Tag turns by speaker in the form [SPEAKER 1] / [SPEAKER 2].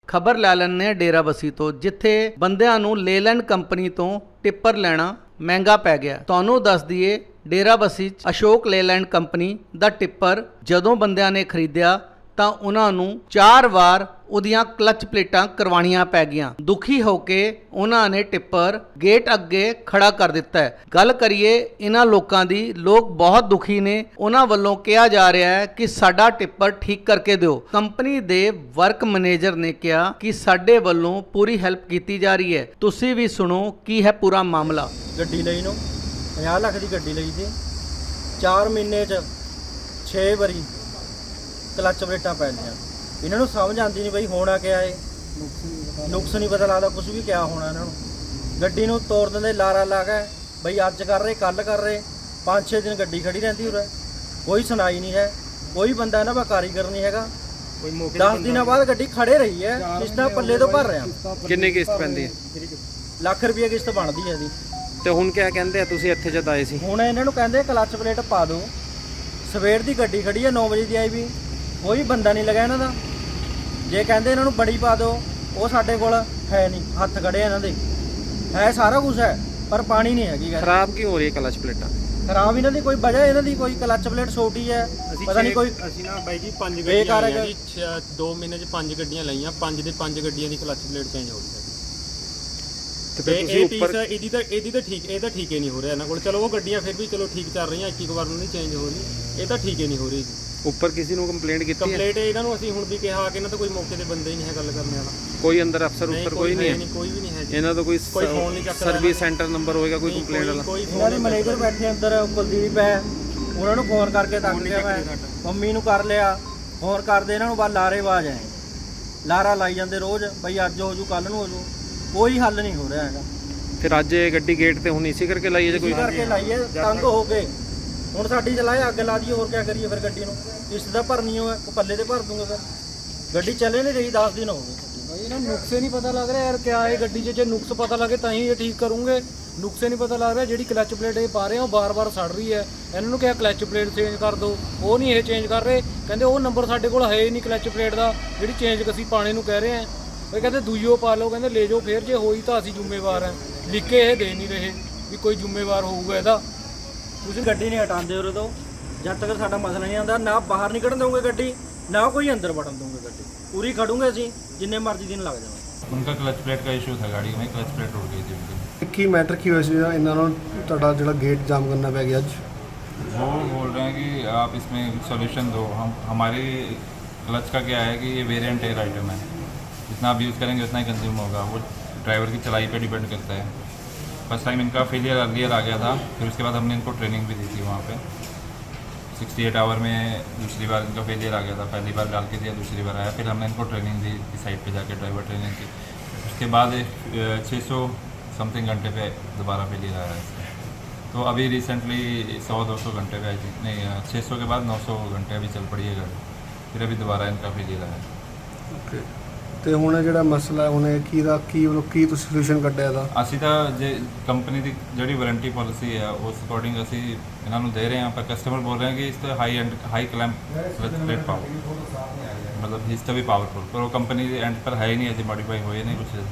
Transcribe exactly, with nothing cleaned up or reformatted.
[SPEAKER 1] ਖਬਰ ਲੈ ਲੈਂਦੇ ਹਾਂ ਡੇਰਾਬੱਸੀ ਤੋਂ, ਜਿੱਥੇ ਬੰਦਿਆਂ ਨੂੰ ਲੇਲੈਂਡ ਕੰਪਨੀ ਤੋਂ ਟਿੱਪਰ ਲੈਣਾ ਮਹਿੰਗਾ ਪੈ ਗਿਆ। ਤੁਹਾਨੂੰ ਦੱਸ ਦਈਏ, ਡੇਰਾਬੱਸੀ 'ਚ ਅਸ਼ੋਕ ਲੇਲੈਂਡ ਕੰਪਨੀ ਦਾ ਟਿੱਪਰ ਜਦੋਂ ਬੰਦਿਆਂ ਨੇ ਖਰੀਦਿਆ ਤਾਂ ਉਹਨਾਂ ਨੂੰ ਚਾਰ ਵਾਰ ਉਹਦੀਆਂ ਕਲਚ ਪਲੇਟਾਂ ਕਰਵਾਉਣੀਆਂ ਪੈ ਗਈਆਂ। ਦੁਖੀ ਹੋ ਕੇ ਉਹਨਾਂ ਨੇ ਟਿੱਪਰ ਗੇਟ ਅੱਗੇ ਖੜਾ ਕਰ ਦਿੱਤਾ ਹੈ। ਗੱਲ ਕਰੀਏ ਇਹਨਾਂ ਲੋਕਾਂ ਦੀ, ਲੋਕ ਬਹੁਤ ਦੁਖੀ ਨੇ। ਉਹਨਾਂ ਵੱਲੋਂ ਕਿਹਾ ਜਾ ਰਿਹਾ ਹੈ ਕਿ ਸਾਡਾ ਟਿੱਪਰ ਠੀਕ ਕਰਕੇ ਦਿਓ। ਕੰਪਨੀ ਦੇ ਵਰਕ ਮੈਨੇਜਰ ਨੇ ਕਿਹਾ ਕਿ ਸਾਡੇ ਵੱਲੋਂ ਪੂਰੀ ਹੈਲਪ ਕੀਤੀ ਜਾ ਰਹੀ ਹੈ। ਤੁਸੀਂ ਵੀ ਸੁਣੋ ਕੀ ਹੈ ਪੂਰਾ ਮਾਮਲਾ।
[SPEAKER 2] ਗੱਡੀ ਲਈ ਨੂੰ ਪੰਜਾਹ ਲੱਖ ਦੀ ਗੱਡੀ ਲਈ ਸੀ, ਚਾਰ ਮਹੀਨੇ 'ਚ ਛੇ ਵਾਰੀ ਕਲੱਚ ਪਲੇਟਾਂ ਪੈ ਗਈਆਂ। ਇਹਨਾਂ ਨੂੰ ਸਮਝ ਆਉਂਦੀ ਨਹੀਂ ਬਈ ਹੋਣਾ ਕਿਆ ਏ, ਨੁਕਸ ਨਹੀਂ ਪਤਾ ਲੱਗਦਾ ਕੁਝ ਵੀ ਕਿਆ ਹੋਣਾ ਇਹਨਾਂ ਨੂੰ। ਗੱਡੀ ਨੂੰ ਤੋੜ ਦਿੰਦੇ ਲਾਰਾ ਲਾ ਕੇ, ਬਈ ਅੱਜ ਕਰ ਰਹੇ ਕੱਲ ਕਰ ਰਹੇ, ਪੰਜ ਛੇ ਦਿਨ ਗੱਡੀ ਖੜੀ ਰਹਿੰਦੀ ਉਰੇ, ਕੋਈ ਸੁਣਾਈ ਨਹੀਂ ਹੈ। ਕੋਈ ਬੰਦਾ ਇਹਨਾਂ ਦਾ ਕਾਰੀਗਰ ਨਹੀਂ ਹੈਗਾ। ਦਸ ਦਿਨਾਂ ਬਾਅਦ ਗੱਡੀ ਖੜੇ ਰਹੀ ਹੈ, ਕਿਸ਼ਤਾਂ ਪੱਲੇ ਤੋਂ ਭਰ ਰਿਹਾ।
[SPEAKER 3] ਕਿੰਨੀ ਕਿਸ਼ਤ ਪੈਂਦੀ ਹੈ?
[SPEAKER 2] ਲੱਖ ਰੁਪਏ ਕਿਸ਼ਤ ਬਣਦੀ ਹੈ ਇਹਦੀ।
[SPEAKER 3] ਤੇ ਹੁਣ ਕਿਆ ਕਹਿੰਦੇ ਆ, ਤੁਸੀਂ ਇੱਥੇ ਜਦ ਆਏ ਸੀ?
[SPEAKER 2] ਹੁਣ ਇਹਨਾਂ ਨੂੰ ਕਹਿੰਦੇ ਕਲੱਚ ਪਲੇਟ ਪਾ ਦਿਓ। ਸਵੇਰ ਦੀ ਗੱਡੀ ਖੜੀ ਹੈ, ਨੌ ਵਜੇ ਦੀ ਆਈ ਵੀ, ਕੋਈ ਬੰਦਾ ਨਹੀਂ ਲੱਗਾ ਇਹਨਾਂ ਦਾ। ਜੇ ਕਹਿੰਦੇ ਇਹਨਾਂ ਨੂੰ ਬੜੀ ਪਾ ਦਿਓ, ਉਹ ਸਾਡੇ ਕੋਲ ਹੈ ਨਹੀਂ, ਹੱਥ ਖੜੇ ਇਹਨਾਂ ਦੇ। ਹੈ ਸਾਰਾ ਕੁਝ ਹੈ ਪਰ ਪਾਣੀ ਨਹੀਂ ਹੈਗੀ।
[SPEAKER 3] ਖਰਾਬ ਕਿਉਂ ਹੋ ਰਹੀ ਹੈ ਕਲਚ ਪਲੇਟਾਂ?
[SPEAKER 2] ਖਰਾਬ ਇਹਨਾਂ ਦੀ ਕੋਈ ਵਜ੍ਹਾ, ਇਹਨਾਂ ਦੀ ਕੋਈ ਕਲੱਚ ਪਲੇਟ ਛੋਟੀ ਹੈ, ਪਤਾ ਨਹੀਂ ਕੋਈ।
[SPEAKER 4] ਅਸੀਂ ਨਾ ਬਾਈ ਜੀ ਪੰਜ ਗੱਡੀਆਂ ਲਈਆਂ ਜੀ, ਦੋ ਮਹੀਨੇ 'ਚ ਪੰਜ ਗੱਡੀਆਂ ਲਈਆਂ, ਪੰਜ ਦੇ ਪੰਜ ਗੱਡੀਆਂ ਦੀ ਕਲੱਚ ਪਲੇਟ ਚੇਂਜ ਹੋ ਗਈ ਹੈ। ਤੇ ਇਹ ਪੀਸ ਇਹਦੀ ਤਾਂ ਇਹਦੀ ਤਾਂ ਠੀਕ ਇਹ ਤਾਂ ਠੀਕ ਹੀ ਨਹੀਂ ਹੋ ਰਿਹਾ ਇਹਨਾਂ ਕੋਲ। ਚਲੋ ਉਹ ਗੱਡੀਆਂ ਫਿਰ ਵੀ ਚਲੋ ਠੀਕ ਚੱਲ ਰਹੀਆਂ, ਇੱਕ ਇੱਕ ਵਾਰ ਨੂੰ ਨਹੀਂ ਚੇਂਜ ਹੋ ਰਹੀ, ਇਹ ਤਾਂ ਠੀਕ ਹੀ ਨਹੀਂ ਹੋ ਰਹੀ ਜੀ।
[SPEAKER 3] ਉੱਪਰ ਕਿਸੇ ਨੂੰ ਕੰਪਲੇਂਟ ਕੀਤੀ ਹੈ?
[SPEAKER 4] ਕੰਪਲੇਂਟ ਇਹਨਾਂ ਨੂੰ ਅਸੀਂ ਹੁਣ ਵੀ ਕਿਹਾ ਕਿ ਇਹਨਾਂ ਤਾਂ ਕੋਈ ਮੌਕੇ ਤੇ ਬੰਦੇ ਹੀ ਨਹੀਂ ਹੈ ਗੱਲ ਕਰਨ ਵਾਲਾ।
[SPEAKER 3] ਕੋਈ ਅੰਦਰ ਅਫਸਰ ਉੱਪਰ ਕੋਈ ਨਹੀਂ ਹੈ?
[SPEAKER 4] ਕੋਈ ਵੀ ਨਹੀਂ ਹੈ ਜੀ।
[SPEAKER 3] ਇਹਨਾਂ ਦਾ ਕੋਈ
[SPEAKER 4] ਕੋਈ ਫੋਨ ਨਹੀਂ ਚੱਕਦਾ।
[SPEAKER 3] ਸਰਵਿਸ ਸੈਂਟਰ ਨੰਬਰ ਹੋਏਗਾ ਕੋਈ ਕੰਪਲੇਂਟ ਵਾਲਾ?
[SPEAKER 2] ਇਹਨਾਂ ਦੇ ਮੈਨੇਜਰ ਬੈਠੇ ਅੰਦਰ, ਕੁਲਦੀਪ ਹੈ, ਉਹਨਾਂ ਨੂੰ ਫੋਨ ਕਰਕੇ ਤੱਕ ਗਿਆ ਮੈਂ, ਮੰਮੀ ਨੂੰ ਕਰ ਲਿਆ ਫੋਨ ਕਰਦੇ, ਇਹਨਾਂ ਨੂੰ ਬਸ ਲਾਰੇ ਆਵਾਜ਼ ਆਏ, ਲਾਰਾ ਲਾਈ ਜਾਂਦੇ ਰੋਜ਼, ਬਈ ਅੱਜ ਹੋ ਜੂ ਕੱਲ ਨੂੰ ਹੋ ਜੂ, ਕੋਈ ਹੱਲ ਨਹੀਂ ਹੋ ਰਿਹਾ ਹੈਗਾ।
[SPEAKER 3] ਫਿਰ ਅੱਜ ਇਹ ਗੱਡੀ ਗੇਟ ਤੇ ਹੁਣ ਇਸੇ ਕਰਕੇ ਲਾਈ ਹੈ ਜੇ ਕੋਈ?
[SPEAKER 2] ਕਰਕੇ ਲਾਈਏ ਤੰਗ ਹੋ ਗਏ। ਹੁਣ ਸਾਡੀ ਚਲਾਏ ਅੱਗ ਲਾ ਦਈਏ, ਹੋਰ ਕੀ ਕਰੀਏ ਫਿਰ? ਗੱਡੀ ਨੂੰ ਕਿਸ਼ਤ ਦਾ ਭਰਨੀ ਹੋਵੇ, ਪੱਲੇ ਤੇ ਭਰ ਦੂੰਗੇ ਫਿਰ। ਗੱਡੀ ਚੱਲੇ ਨਹੀਂ ਰਹੀ, ਦਸ ਦਿਨ ਹੋ ਗਏ।
[SPEAKER 5] भाई ना नुक्से नहीं पता लग रहा यार क्या है गड्डी च, जे नुक्स पता लगे ਤਾਂ ਹੀ ਇਹ ਠੀਕ ਕਰੂੰਗੇ। नुक्से नहीं पता लग रहा, ਜਿਹੜੀ ਕਲਚ ਪਲੇਟ ਇਹ ਪਾ ਰਹੇ ਆ ਉਹ ਬਾਰ-ਬਾਰ ਸੜ ਰਹੀ ਹੈ। ਇਹਨਾਂ ਨੂੰ ਕਿਹਾ ਕਲਚ ਪਲੇਟ ਚੇਂਜ ਕਰ ਦਿਓ, ਉਹ ਨਹੀਂ ਇਹ ਚੇਂਜ ਕਰ ਰਹੇ। ਕਹਿੰਦੇ ਉਹ ਨੰਬਰ ਸਾਡੇ ਕੋਲ ਹੈ ਹੀ ਨਹੀਂ ਕਲਚ ਪਲੇਟ ਦਾ ਜਿਹੜੀ ਚੇਂਜ ਅਸੀਂ ਪਾਣੇ ਨੂੰ ਕਹਿ ਰਹੇ ਆ। ਉਹ ਕਹਿੰਦੇ ਦੂਈਓ ਪਾ ਲਓ, ਕਹਿੰਦੇ ਲੈ ਜਾਓ ਫੇਰ, ਜੇ ਹੋਈ ਤਾਂ ਅਸੀਂ ਜ਼ਿੰਮੇਵਾਰ ਹਾਂ। ਲਿਖ ਕੇ ਇਹ ਦੇ ਨਹੀਂ ਰਹੇ ਵੀ ਕੋਈ ਜ਼ਿੰਮੇਵਾਰ ਹੋਊਗਾ ਇਹਦਾ।
[SPEAKER 2] ਤੁਸੀਂ ਗੱਡੀ ਨਹੀਂ ਹਟਾਉਂਦੇ ਉਰੇ ਤੋਂ ਜਦ ਤੱਕ ਸਾਡਾ ਮਸਲਾ ਨਹੀਂ ਆਉਂਦਾ। ਨਾ ਬਾਹਰ ਨਿਕਲਣ ਦਊਂਗੇ ਗੱਡੀ, ਨਾ ਕੋਈ ਅੰਦਰ ਵੜਨ ਦਊਂਗੇ ਗੱਡੀ। ਪੂਰੀ ਖੜੂਗੇ ਅਸੀਂ, ਜਿੰਨੇ ਮਰਜ਼ੀ ਦਿਨ ਲੱਗ ਜਾਣ।
[SPEAKER 6] उनका क्लच प्लेट का इशू था, गाड़ी में क्लच प्लेट उड़ गई थी उनकी।
[SPEAKER 7] ਕੀ ਮੈਟਰ ਕੀ ਹੋਇਆ ਸੀ ਇਹਨਾਂ ਨੂੰ ਤੁਹਾਡਾ ਜਿਹੜਾ ਗੇਟ ਜਾਮ ਕਰਨਾ ਪੈ ਗਿਆ ਅੱਜ?
[SPEAKER 6] वो बोल रहे हैं कि आप इसमें सॉल्यूशन दो। हम हमारी क्लच का क्या है कि ये वेरिएंट एयर आइटम है, जितना आप यूज़ करेंगे उतना ही कंज्यूम होगा। वो ड्राइवर की चलाई पे डिपेंड करता है। फर्स्ट टाइम इनका फेलियर अर्लियर आ गया था, फिर उसके बाद हमने इनको ट्रेनिंग भी दी थी वहाँ पे। सिक्सटी एट आवर में दूसरी बार इनका फेलियर आ गया था। पहली बार डाल के दिया, दूसरी बार आया, फिर हमने इनको ट्रेनिंग दी इस साइड पे जाके, ड्राइवर ट्रेनिंग की। उसके बाद छः सौ समथिंग घंटे पे दोबारा फेलियर आया है। तो अभी रिसेंटली सौ दो सौ घंटे पे आई थी, नहीं छः सौ के बाद नौ सौ घंटे अभी चल पड़ी है गाड़ी, फिर अभी दोबारा इनका फेलियर आया।
[SPEAKER 7] ਓਕੇ, ਤੇ ਹੁਣ ਜਿਹੜਾ ਮਸਲਾ ਹੁਣ ਇਹ ਕੀ ਦਾ ਕੀ ਉਹ ਕੀ ਤੁਸੀਂ ਸੋਲੂਸ਼ਨ ਕੱਢਿਆ ਇਹਦਾ?
[SPEAKER 6] ਅਸੀਂ ਤਾਂ ਜੇ ਕੰਪਨੀ ਦੀ ਜਿਹੜੀ ਵਾਰੰਟੀ ਪਾਲਿਸੀ ਹੈ ਉਸ ਅਕੋਰਡਿੰਗ ਅਸੀਂ ਇਹਨਾਂ ਨੂੰ ਦੇ ਰਹੇ ਹਾਂ, ਪਰ ਕਸਟਮਰ ਬੋਲ ਰਹੇ ਹੈ ਕਿ ਇਸ ਤੇ high and high clamp plate ਪਾਓ, ਮਤਲਬ ਇਸ ਤੋਂ ਵੀ ਪਾਵਰਫੁਲ, ਪਰ ਉਹ ਕੰਪਨੀ ਦੇ ਐਂਡ ਪਰ ਹੈ ਹੀ ਨਹੀਂ, ਅਜੇ ਮੋਡੀਫਾਈ ਹੋਏ ਨਹੀਂ ਕੁਛ।